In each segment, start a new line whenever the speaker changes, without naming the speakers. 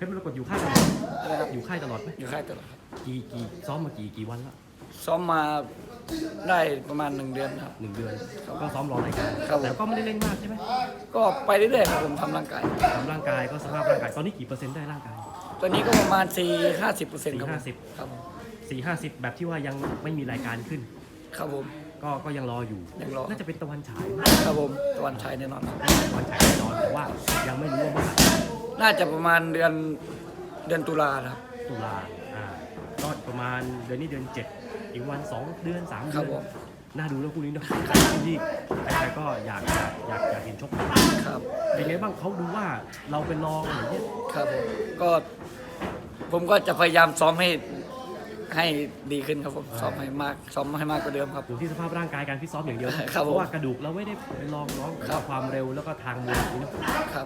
ชรมรกตอยู่ค่ายตลอดอยู่ค่ายตลอดไหม
อยู่ค่ายตลอดครับ
กี่ซ้อมมากี่วันแล้ว
ซ้อมมาได้ประมาณ1 เดือนครับ
1 เดือนก็ซ้อมรอรายการแต่ก็ไม่ได้เล่นมากใช่ไหม
ก็ไปเรื่อยๆครับผมทำร่างกาย
ก็สภาพร่างกายตอนนี้กี่เปอร์เซ็นต์ได้ร่างกาย
ตอนนี้ก็ประมาณ40-50%ครับครับผม
40-50แบบที่ว่ายังไม่มีรายการขึ้น
ครับผม
ก็ยังรออยู่น่าจะเป็นตะวันฉาย
ครับผมตะวันฉายแน่นอนครับ
ตะวันฉายแน่นอนแต่ว่ายังไม่รู้ว่าเมื่อไหร่
น่าจะประมาณเดือนตุลาครับ
ตุลาก็ประมาณเดือนนี้เดือน7อีกวัน2 เดือน3 เดือนน่าดูแล้วคู่นี้เนาะที่ใครๆก็อยากเห็นชก
ครับ
เป็นไงบ้างเขาดูว่าเราเป็นรองอะไรเงี้ย
ครับผมก็จะพยายามซ้อมให้ดีขึ้นครับผมซ้อมให้มากกว่าเดิมครับ
อยู่ที่สภาพร่างกายการฟิตซ้อมอย่างเดียว
เพ
ราะว่ากระดูกเราไม่ได้ไปลองน้องความเร็วแล้วก็ทางมวยนี่
ครับ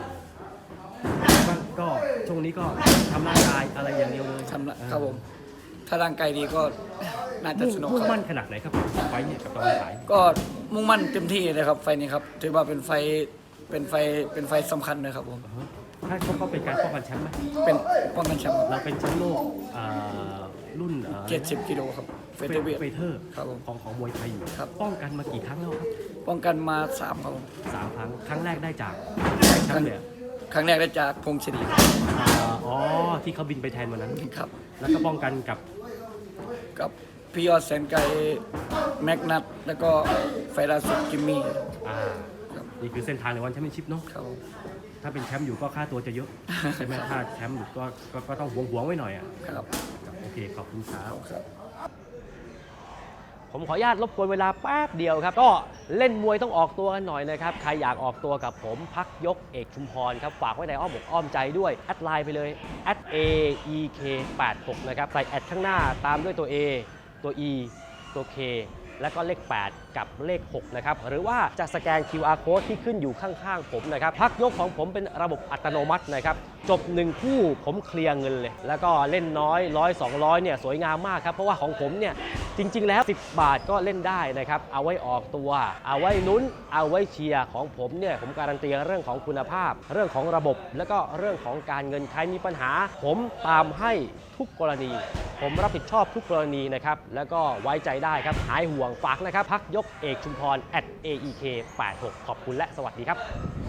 ก็ช่วงนี้ก็ทำร่างกายอะไรอย่างเดียวเลย
ครับผมถ้าร่างกายดีก็น่าจะสนุก
มุ่งมั่นขนาดไหนครับไฟเนี่ยกับตะวันฉาย
ก็มุ่งมั่นเต็มที่เลยครับไฟนี้ครับถือว่าเป็นไฟสำคัญเลยครับผม
ถ้าเขาเป็นการป้องกันแชมป์ไหม
เป็นป้องกันแชมป์
เราเป็นแชมป์โลกรุ่น
70 กิโลครับ
เฟเธอร์ของมวยไทยอยู่ป้องกันมากี่ครั้งแล้วครับ
ป้องกันมา3 ครั้ง
3 ครั้งครั้งแรกได้จากแชมป์เลย
ครั้งแรกได้จากพงศ์ชลี
ที่เขาบินไปแทนวันนั้น
ครับ
แล้วก็ป้องกันกับ
พี่ยอดแสนไกลแม็กนัทแล้วก็ไฟล่าสุดจิมมี่
นี่คือเส้นทางในวันแชมเปี้ยนชิพเนาะถ้าเป็นแชมป์อยู่ก็ค่าตัวจะเยอะใช่ไหมถ้าแชมป์อยู่ก็ต้องหวงไว้หน่อยอ่ะ
ครับ
โอเคขอบคุณครับ
ผมขออนุญาตรบกวนเวลาแป๊บเดียวครับก็เล่นมวยต้องออกตัวกันหน่อยนะครับใครอยากออกตัวกับผมพักยกเอกชุมพรครับฝากไว้ในอ้อมอกอ้อมใจด้วยแอดไลน์ไปเลย @aek86 นะครับใส่แอดข้างหน้าตามด้วยตัว A ตัว E ตัว K แล้วก็เลข8กับเลข6นะครับหรือว่าจะสแกน QR code ที่ขึ้นอยู่ข้างๆผมนะครับพักยกของผมเป็นระบบอัตโนมัตินะครับจบ1 คู่ผมเคลียร์เงินเลยแล้วก็เล่นน้อย100 200เนี่ยสวยงามมากครับเพราะว่าของผมเนี่ยจริงๆแล้ว10 บาทก็เล่นได้นะครับเอาไว้ออกตัวเอาไว้ลุ้นเอาไว้เชียร์ของผมเนี่ยผมการันตีเรื่องของคุณภาพเรื่องของระบบแล้วก็เรื่องของการเงินใครมีปัญหาผมตามให้ทุกกรณีผมรับผิดชอบทุกกรณีนะครับแล้วก็ไว้ใจได้ครับหายห่วงฝากนะครับพักยกเอกชุมพร @aek86 ขอบคุณและสวัสดีครับ